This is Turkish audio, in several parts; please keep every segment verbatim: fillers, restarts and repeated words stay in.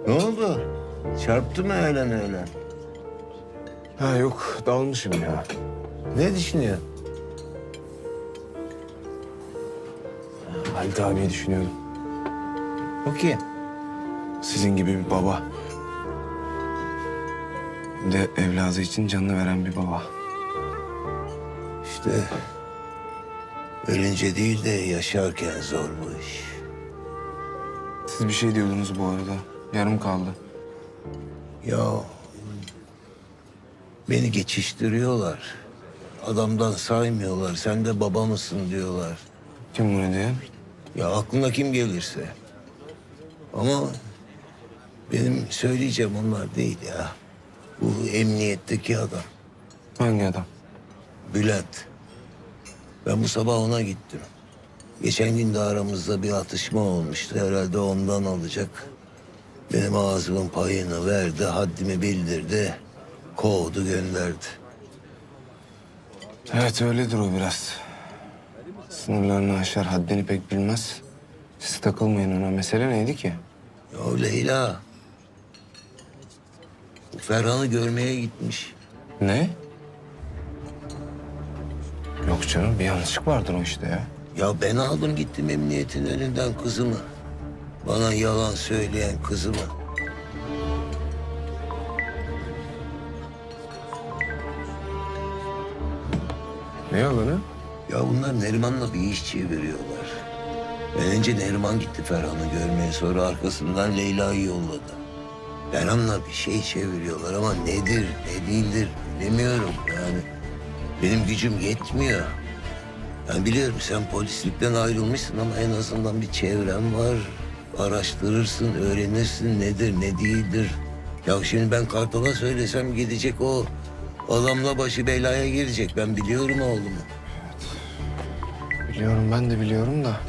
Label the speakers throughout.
Speaker 1: Ne oldu? Çarptı mı öğlen öğlen?
Speaker 2: Ha yok, dalmışım ya.
Speaker 1: Ne düşünüyor?
Speaker 2: Halit abiyi düşünüyorum.
Speaker 1: O kim?
Speaker 2: Sizin gibi bir baba. Bir de evladı için canını veren bir baba.
Speaker 1: İşte ölünce değil de yaşarken zor bu iş.
Speaker 2: Siz bir şey diyordunuz bu arada. Yarım kaldı.
Speaker 1: Ya beni geçiştiriyorlar. Adamdan saymıyorlar. Sen de baba mısın diyorlar.
Speaker 2: Kim bunu diyen?
Speaker 1: Ya aklına kim gelirse. Ama benim söyleyeceğim onlar değil ya. Bu emniyetteki adam.
Speaker 2: Hangi adam?
Speaker 1: Bülent. Ben bu sabah ona gittim. Geçen gün de aramızda bir atışma olmuştu. Herhalde ondan alacak. Benim ağzımın payını verdi, haddimi bildirdi. Kovdu, gönderdi.
Speaker 2: Evet öyledir o biraz. Sınırlarını aşar, haddini pek bilmez. Siz takılmayın ona. Mesele neydi ki?
Speaker 1: Ya Leyla. Ferhan'ı görmeye gitmiş.
Speaker 2: Ne? Yok canım bir yanlışlık vardır o işte ya.
Speaker 1: Ya ben aldım gittim emniyetin önünden kızımı. Bana yalan söyleyen kızımı.
Speaker 2: Ne yalanı?
Speaker 1: Ya bunlar Neriman'la bir iş çeviriyorlar. Önce Neriman gitti Ferhan'ı görmeye, sonra arkasından Leyla'yı yolladı. Ferhan'la bir şey çeviriyorlar ama nedir, ne değildir bilemiyorum yani. Benim gücüm yetmiyor. Ben biliyorum sen polislikten ayrılmışsın ama en azından bir çevren var. Araştırırsın, öğrenirsin nedir, ne değildir. Ya şimdi ben Kartal'a söylesem gidecek o adamla başı belaya girecek. Ben biliyorum oğlumu.
Speaker 2: Biliyorum ben de biliyorum da.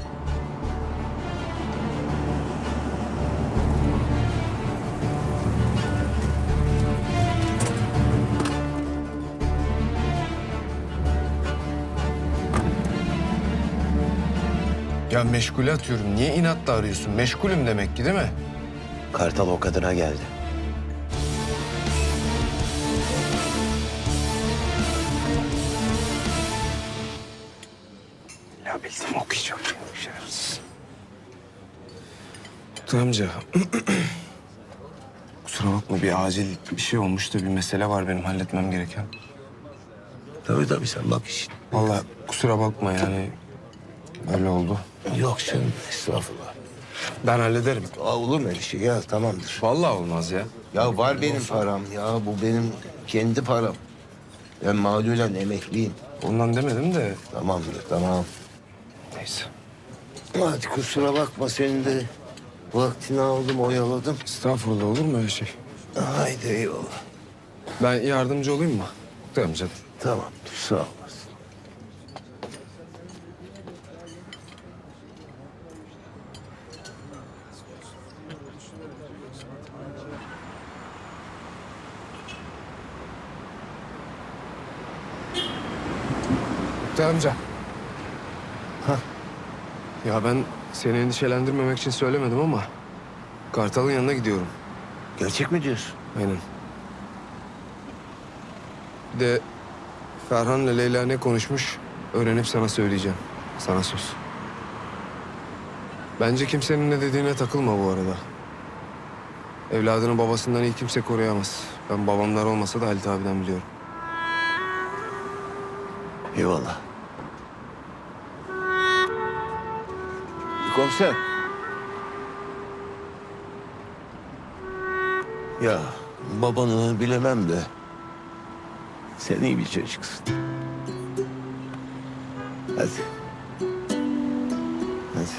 Speaker 2: Ya meşgule atıyorum. Niye inatla arıyorsun? Meşgulüm demek ki değil mi?
Speaker 1: Kartal o kadına geldi.
Speaker 2: Ya bildim okuyacağım. Şerefsiz. Oktay amca. Kusura bakma bir acil bir şey olmuş da bir mesele var benim halletmem gereken.
Speaker 1: Tabii tabii sen bak işin.
Speaker 2: Vallahi kusura bakma yani. Öyle oldu.
Speaker 1: Yok canım estağfurullah.
Speaker 2: Ben hallederim.
Speaker 1: Aa, olur mu öyle şey ya tamamdır.
Speaker 2: Vallahi olmaz ya.
Speaker 1: Ya var benim param ya bu benim kendi param. Ben mağlulen emekliyim.
Speaker 2: Ondan demedim de.
Speaker 1: Tamamdır tamam.
Speaker 2: Neyse.
Speaker 1: Hadi kusura bakma senin de vaktini aldım oyaladım.
Speaker 2: Estağfurullah olur mu öyle şey?
Speaker 1: Haydi eyvallah.
Speaker 2: Ben yardımcı olayım mı? Oktay amca.
Speaker 1: Tamamdır sağ olasın.
Speaker 2: Oktay amca.
Speaker 1: Hah.
Speaker 2: Ya ben seni endişelendirmemek için söylemedim ama... Kartal'ın yanına gidiyorum.
Speaker 1: Gerçek mi diyorsun?
Speaker 2: Aynen. Bir de Ferhan'la Leyla ne konuşmuş öğrenip sana söyleyeceğim. Sana söz. Bence kimsenin ne dediğine takılma bu arada. Evladını babasından iyi kimse koruyamaz. Ben babamlar olmasa da Halit abiden biliyorum.
Speaker 1: Eyvallah. Komiser. Ya babanı bilemem de sen iyi bir çocuksun. Hadi. Hadi.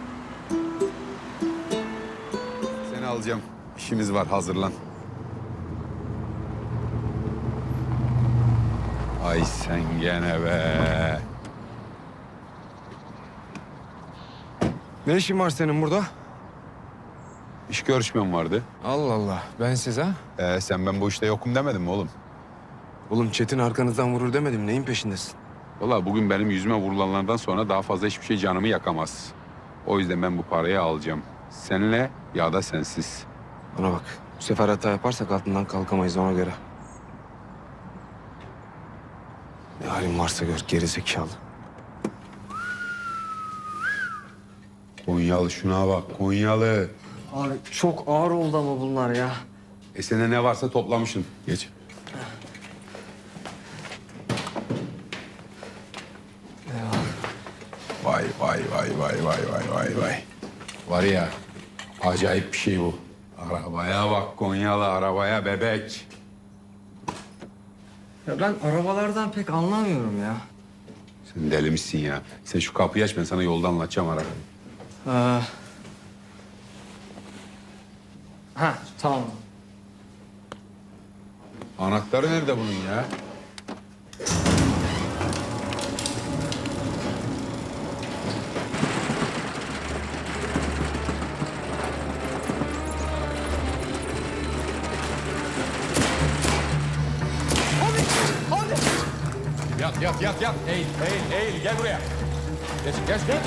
Speaker 3: Seni alacağım. İşimiz var, hazırlan. Ay sen gene be.
Speaker 2: Ne işin var senin burada?
Speaker 3: İş görüşmem vardı.
Speaker 2: Allah Allah. Ben size ha?
Speaker 3: Ee, sen ben bu işte yokum demedin mi oğlum?
Speaker 2: Oğlum Çetin arkanızdan vurur demedim. Neyin peşindesin?
Speaker 3: Vallahi bugün benim yüzüme vurulanlardan sonra daha fazla hiçbir şey canımı yakamaz. O yüzden ben bu parayı alacağım. Seninle ya da sensiz.
Speaker 2: Bana bak. Bu sefer hata yaparsak altından kalkamayız ona göre. Ne halin varsa gör gerizekalı.
Speaker 3: Konyalı şuna bak Konyalı.
Speaker 4: Abi çok ağır oldu ama bunlar ya.
Speaker 3: E sende ne varsa toplamışsın. Geç. Vay vay vay vay vay vay vay vay. Var ya acayip bir şey bu. Arabaya bak Konyalı arabaya bebek.
Speaker 4: Ya ben arabalardan pek anlamıyorum ya.
Speaker 3: Sen deli misin ya? Sen şu kapıyı aç ben sana yolda anlatacağım arabayı.
Speaker 4: Ee... Ha tamam.
Speaker 3: Anahtarı nerede bunun ya? Yat yat yat yat. Eğil eğil eğil gel buraya. Geç geç geç.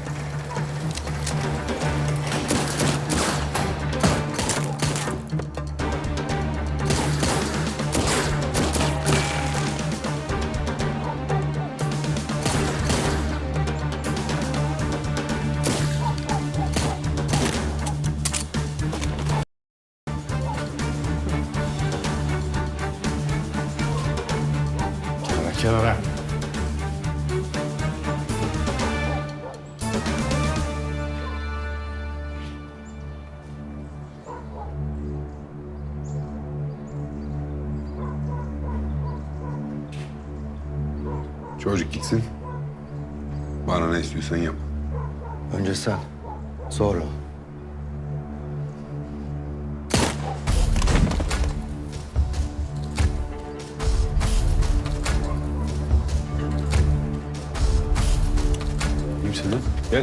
Speaker 3: Kenara kenara. Çocuk gitsin. Bana ne istiyorsan yap.
Speaker 1: Önce sen. Sonra.
Speaker 3: Kimsin lan? Gel.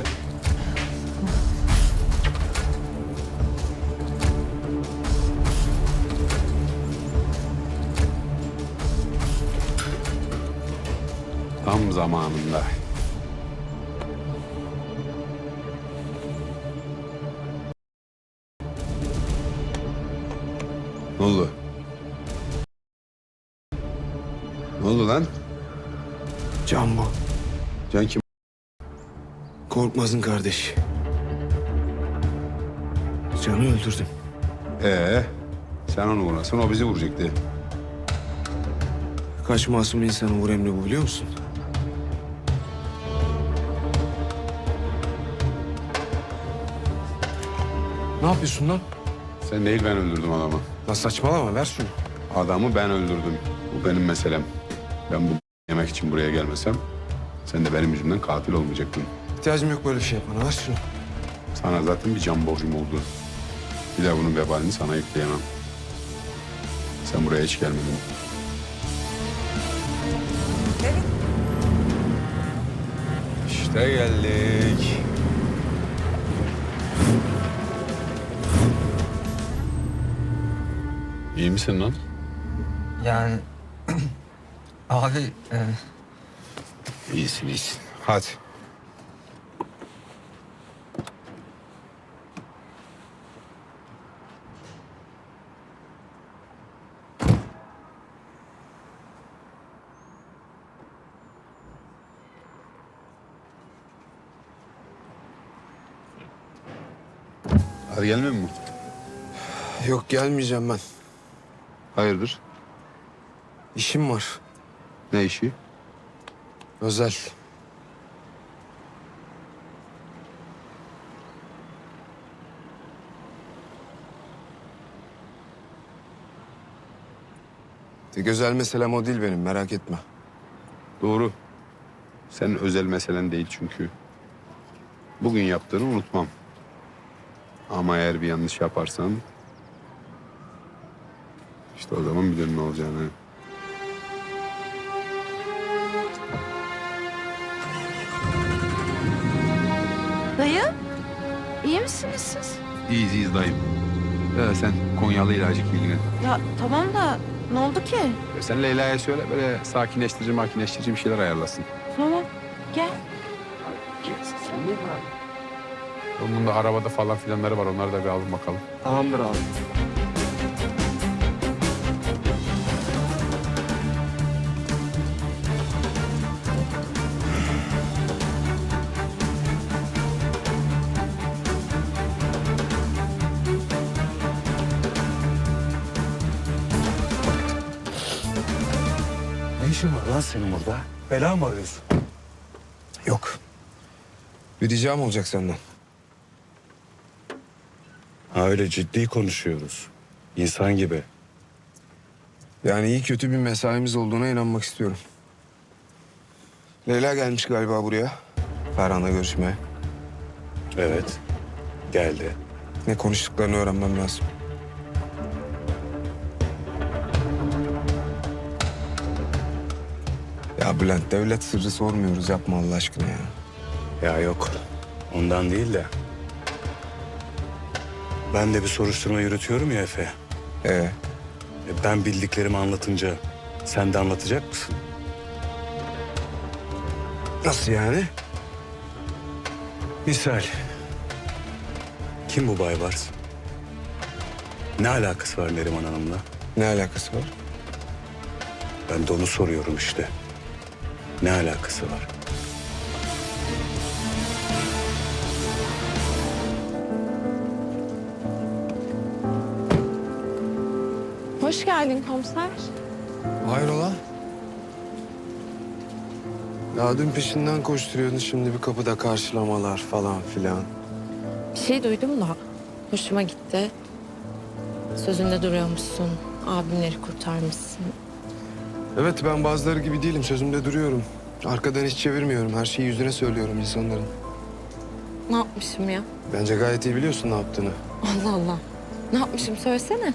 Speaker 3: Tam zamanında. Ne oldu? Ne oldu lan?
Speaker 2: Can bu.
Speaker 3: Can kim?
Speaker 2: Korkmaz'ın kardeşi. Can'ı öldürdüm.
Speaker 3: Ee, sen onu vurasın, o bizi vuracaktı.
Speaker 2: Kaç masum insanı vur emri bu biliyor musun? Ne yapıyorsun lan?
Speaker 3: Sen değil, ben öldürdüm adamı.
Speaker 2: Lan saçmalama ver şunu.
Speaker 3: Adamı ben öldürdüm. Bu benim meselem. Ben bu yemek için buraya gelmesem, sen de benim yüzümden katil olmayacaktın.
Speaker 2: İhtiyacım yok böyle bir şey yapmana ver şunu.
Speaker 3: Sana zaten bir can borcum oldu. Bir de bunun vebalini sana yükleyemem. Sen buraya hiç gelmedin. İşte geldik. İyi misin lan?
Speaker 4: Yani abi e,
Speaker 3: İyisin, iyisin. Hadi. Hadi gelmiyor mu?
Speaker 2: Yok gelmeyeceğim ben.
Speaker 3: Hayırdır?
Speaker 2: İşim var.
Speaker 3: Ne işi?
Speaker 2: Özel. Tek özel meselem o değil benim merak etme.
Speaker 3: Doğru. Senin özel meselen değil çünkü. Bugün yaptığını unutmam. Ama eğer bir yanlış yaparsan... işte o zaman bilirim ne olacağını.
Speaker 5: Dayı, iyi misiniz siz?
Speaker 3: İyiyiz iyiyiz dayım. Ya sen Konyalı ile acık ilgilen.
Speaker 5: Ya tamam da ne oldu ki?
Speaker 3: Ya sen Leyla'ya söyle böyle sakinleştirici makineleştirici bir şeyler ayarlasın.
Speaker 5: Tamam, gel.
Speaker 3: Onun da arabada falan filanları var. Onları da bir alın bakalım.
Speaker 4: Tamamdır abi.
Speaker 6: Ne işin var lan senin burada? Bela mı arıyorsun?
Speaker 2: Yok. Bir ricam olacak senden.
Speaker 6: Ha öyle ciddi konuşuyoruz. İnsan gibi.
Speaker 2: Yani iyi kötü bir mesaimiz olduğuna inanmak istiyorum. Leyla gelmiş galiba buraya. Ferhan'la görüşmeye.
Speaker 6: Evet. Geldi.
Speaker 2: Ne konuştuklarını öğrenmem lazım. Ya Bülent, devlet sırrı sormuyoruz. Yapma Allah aşkına ya.
Speaker 6: Ya yok. Ondan değil de. Ben de bir soruşturma yürütüyorum ya Efe.
Speaker 2: Ee,
Speaker 6: E, ben bildiklerimi anlatınca sen de anlatacak mısın?
Speaker 2: nasıl yani?
Speaker 6: Misal. Kim bu Baybars? Ne alakası var Neriman Hanım'la?
Speaker 2: Ne alakası var?
Speaker 6: Ben de onu soruyorum işte. Ne alakası var?
Speaker 5: Hoş geldin komiser.
Speaker 2: Hayrola? Ya dün peşinden koşturuyordun, şimdi bir kapıda karşılamalar falan filan.
Speaker 7: Bir şey duydum da hoşuma gitti. Sözünde duruyormuşsun. Abimleri kurtarmışsın.
Speaker 2: Evet, ben bazıları gibi değilim, sözümde duruyorum. Arkadan hiç çevirmiyorum, her şeyi yüzüne söylüyorum insanların.
Speaker 7: Ne yapmışım ya?
Speaker 2: Bence gayet iyi biliyorsun ne yaptığını.
Speaker 7: Allah Allah. Ne yapmışım söylesene.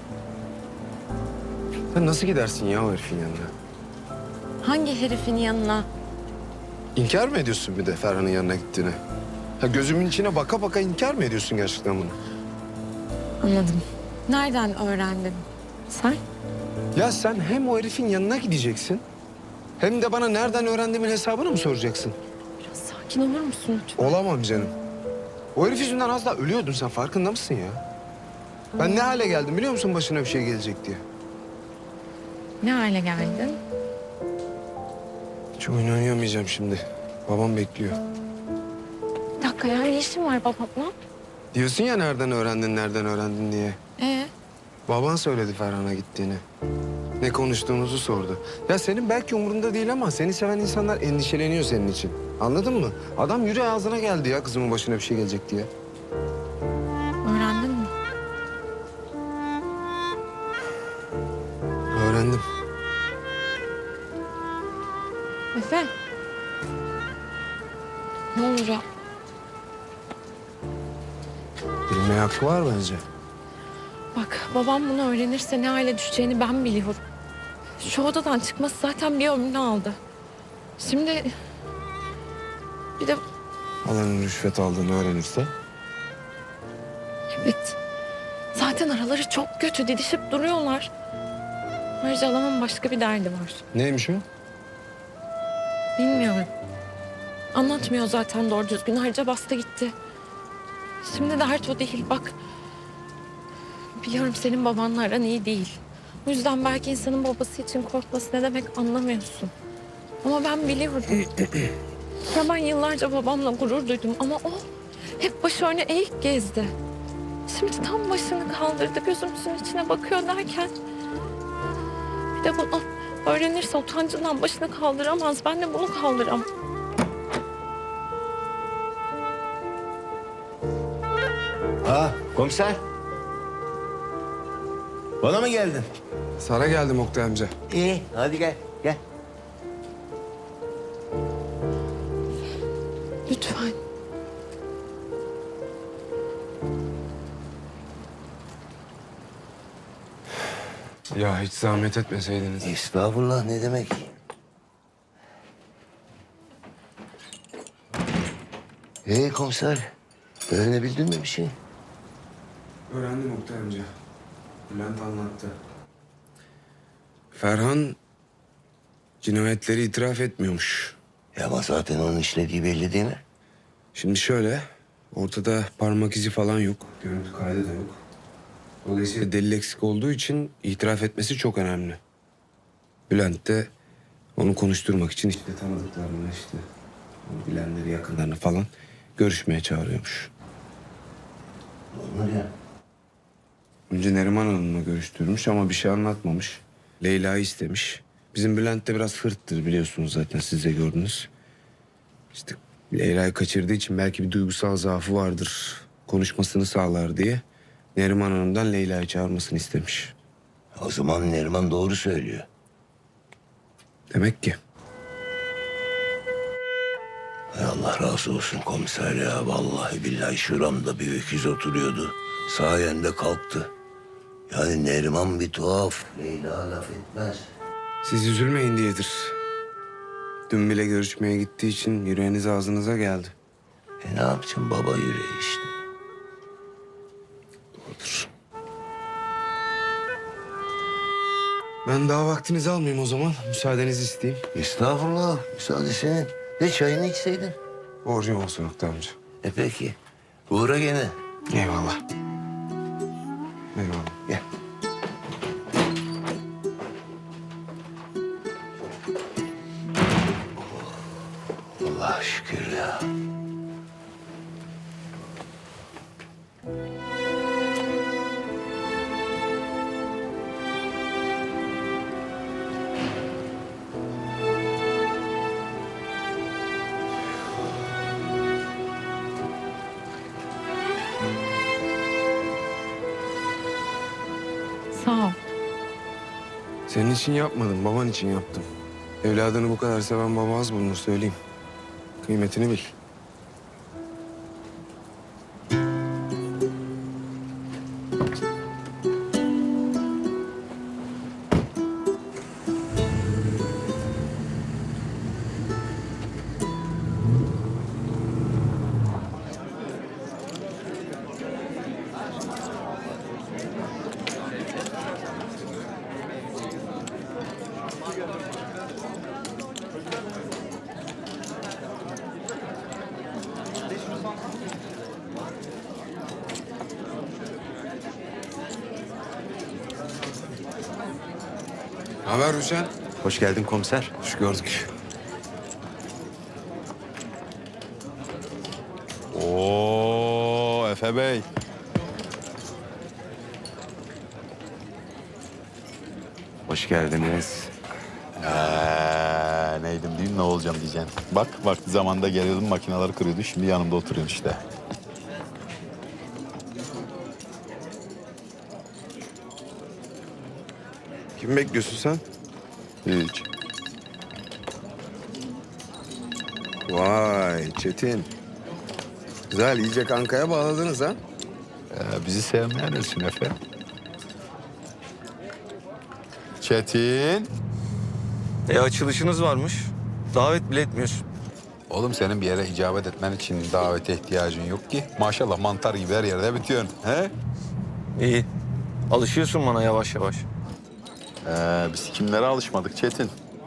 Speaker 2: Sen nasıl gidersin ya o herifin yanına?
Speaker 7: Hangi herifin yanına?
Speaker 2: İnkar mı ediyorsun bir de Ferhan'ın yanına gittiğini? Ha, gözümün içine baka baka inkar mı ediyorsun gerçekten bunu?
Speaker 7: Anladım. Nereden öğrendin? Sen?
Speaker 2: Ya sen hem o herifin yanına gideceksin... hem de bana nereden öğrendiğimin hesabını mı soracaksın?
Speaker 7: Biraz sakin olur musun lütfen?
Speaker 2: Olamam canım. O herif yüzünden az daha ölüyordun, sen farkında mısın ya? Ben ne hale geldim biliyor musun başına bir şey gelecek diye?
Speaker 7: Ne hale geldin?
Speaker 2: Hiç oyun oynayamayacağım şimdi. Babam bekliyor.
Speaker 7: Bir dakika ya, ne işin var babamla?
Speaker 2: Diyorsun ya nereden öğrendin, nereden öğrendin diye.
Speaker 7: Ee,
Speaker 2: Baban söyledi Ferhan'a gittiğini. Ne konuştuğunuzu sordu. Ya senin belki umurunda değil ama seni seven insanlar endişeleniyor senin için. Anladın mı? Adam yüreği ağzına geldi ya kızımın başına bir şey gelecek diye.
Speaker 7: öğrendin mi?
Speaker 2: Öğrendim.
Speaker 7: Efe. Ne olur ya?
Speaker 2: Bilmeye hakkı var bence.
Speaker 7: Bak, babam bunu öğrenirse ne hale düşeceğini ben biliyorum. Şu odadan çıkması zaten bir ömrünü aldı. Şimdi bir de
Speaker 2: Alanın rüşvet aldığını öğrenirse.
Speaker 7: evet, zaten araları çok kötü, didişip duruyorlar. Ayrıca alamın başka bir derdi var.
Speaker 2: Neymiş o?
Speaker 7: Bilmiyorum. Anlatmıyor zaten doğru düzgün. Ayrıca bastı gitti. Şimdi dert o değil. Bak, biliyorum senin babanla aran iyi değil. O yüzden belki insanın babası için korkması ne demek anlamıyorsun. Ama ben biliyorum. Ya ben yıllarca babamla gurur duydum ama o hep başı öne eğik gezdi. Şimdi tam başını kaldırdı, gözümüzün içine bakıyor derken... Bir de bunu öğrenirse utancından başını kaldıramaz. Ben de bunu kaldıramam.
Speaker 1: Ha komiser. Bana mı geldin?
Speaker 2: Sana geldim Oktay amca.
Speaker 1: İyi hadi gel gel.
Speaker 7: Lütfen.
Speaker 2: Ya hiç zahmet etmeseydiniz.
Speaker 1: Estağfurullah ne demek? Ee komiser, öğrenebildin mi bir şey?
Speaker 2: Öğrendim Oktay amca. Bülent anlattı. Ferhan cinayetleri itiraf etmiyormuş.
Speaker 1: Ya ama zaten onun işlediği belli değil mi?
Speaker 2: Şimdi şöyle, Ortada parmak izi falan yok. Görüntü kaydı da yok. Dolayısıyla delil eksik olduğu için itiraf etmesi çok önemli. Bülent de onu konuşturmak için işte tanıdıklarını, işte onu bilenleri, yakınlarını falan görüşmeye çağırıyormuş.
Speaker 1: Onlar ya.
Speaker 2: Önce Neriman Hanım'la görüştürmüş ama bir şey anlatmamış. Leyla'yı istemiş. Bizim Bülent de biraz hırttır biliyorsunuz, zaten siz de gördünüz. İşte Leyla'yı kaçırdığı için belki bir duygusal zaafı vardır. Konuşmasını sağlar diye Neriman Hanım'dan Leyla'yı çağırmasını istemiş.
Speaker 1: O zaman Neriman doğru söylüyor.
Speaker 2: Demek ki.
Speaker 1: Hay Allah razı olsun komiser ya. Vallahi billahi şuramda bir öküz oturuyordu. Sayende kalktı. Yani Neriman bir tuhaf. Leyla laf etmez.
Speaker 2: Siz üzülmeyin diyedir. Dün bile görüşmeye gittiği için yüreğiniz ağzınıza geldi.
Speaker 1: E ne yapacağım, baba yüreği işte.
Speaker 2: Doğrudur. Ben daha vaktinizi almayayım o zaman. Müsaadenizi isteyeyim.
Speaker 1: Estağfurullah. Müsaade senin. Ne çayını içseydin?
Speaker 2: Borcum olsun Oktay amca.
Speaker 1: E peki. Uğra gene.
Speaker 2: Eyvallah. Eyvallah.
Speaker 1: Gel. Allah'a şükür ya.
Speaker 7: Sağ ol.
Speaker 2: Senin için yapmadım, baban için yaptım. Evladını bu kadar seven baba az bulunur, söyleyeyim. Kıymetini bil. Haber Hüseyin?
Speaker 6: Hoş geldin komiser.
Speaker 2: Hoş gördük.
Speaker 3: Oo Efe Bey.
Speaker 6: Hoş geldiniz.
Speaker 3: Ee, neydim diyeyim, ne olacağım diyeceksin. Bak vakti zamanında geliyordum, makineleri kırıyordu. Şimdi yanımda oturuyorsun işte.
Speaker 2: Kim bekliyorsun sen?
Speaker 3: Hiç.
Speaker 2: Vay Çetin. Güzel, iyice kankaya bağladınız ha?
Speaker 3: Ee, bizi sevmeyen ölsün Efe. Çetin.
Speaker 4: E açılışınız varmış. Davet bile etmiyorsun.
Speaker 3: Oğlum senin bir yere icabet etmen için davete ihtiyacın yok ki. Maşallah mantar gibi her yerde bitiyorsun. He?
Speaker 4: İyi. Alışıyorsun bana yavaş yavaş.
Speaker 3: Ee, biz kimlere alışmadık Çetin?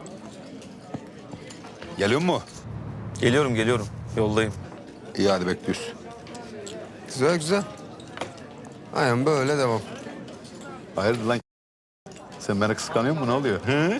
Speaker 3: Geliyor mu?
Speaker 4: Geliyorum geliyorum. Yoldayım.
Speaker 3: İyi hadi bekliyoruz.
Speaker 2: Güzel güzel. Aynen böyle devam.
Speaker 3: Hayırdır lan? Sen beni kıskanıyor musun? Ne oluyor? He?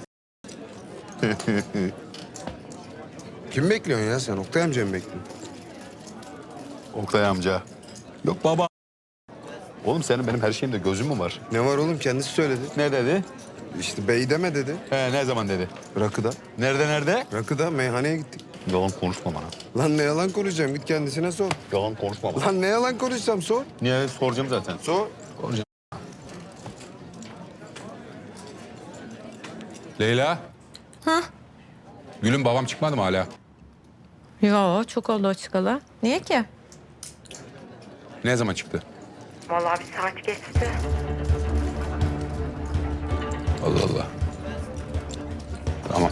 Speaker 2: Kim bekliyorsun ya sen? Oktay amca mı bekliyorsun?
Speaker 3: Oktay amca. Yok baba. Oğlum senin benim her şeyimde gözün mü var?
Speaker 2: Ne var oğlum, kendisi söyledi.
Speaker 3: Ne dedi?
Speaker 2: İşte bey deme dedi.
Speaker 3: He, ne zaman dedi?
Speaker 2: Rakıda.
Speaker 3: Nerede nerede?
Speaker 2: Rakıda meyhaneye gittik.
Speaker 3: Yalan konuşma bana.
Speaker 2: Lan ne yalan konuşacağım, git kendisine sor.
Speaker 3: Yalan konuşma bana.
Speaker 2: Lan ne yalan konuşacağım, sor.
Speaker 3: Niye soracağım zaten?
Speaker 2: Sor.
Speaker 3: Soracağım.
Speaker 8: Leyla. Ha? Gülüm, babam çıkmadı mı hala?
Speaker 7: Yo, çok oldu o çıkalı. Niye ki?
Speaker 8: Ne zaman çıktı?
Speaker 7: Vallahi bir saat geçti.
Speaker 8: Allah Allah. Tamam.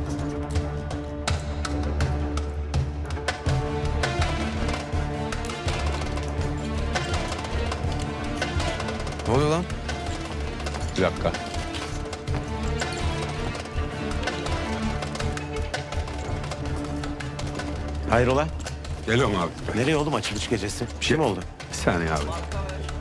Speaker 2: Ne oluyor lan?
Speaker 8: Bir dakika.
Speaker 6: Hayrola?
Speaker 3: Geliyorum abi.
Speaker 6: Nereye oğlum açılış gecesi? Bir şey mi oldu?
Speaker 3: Bir saniye abi.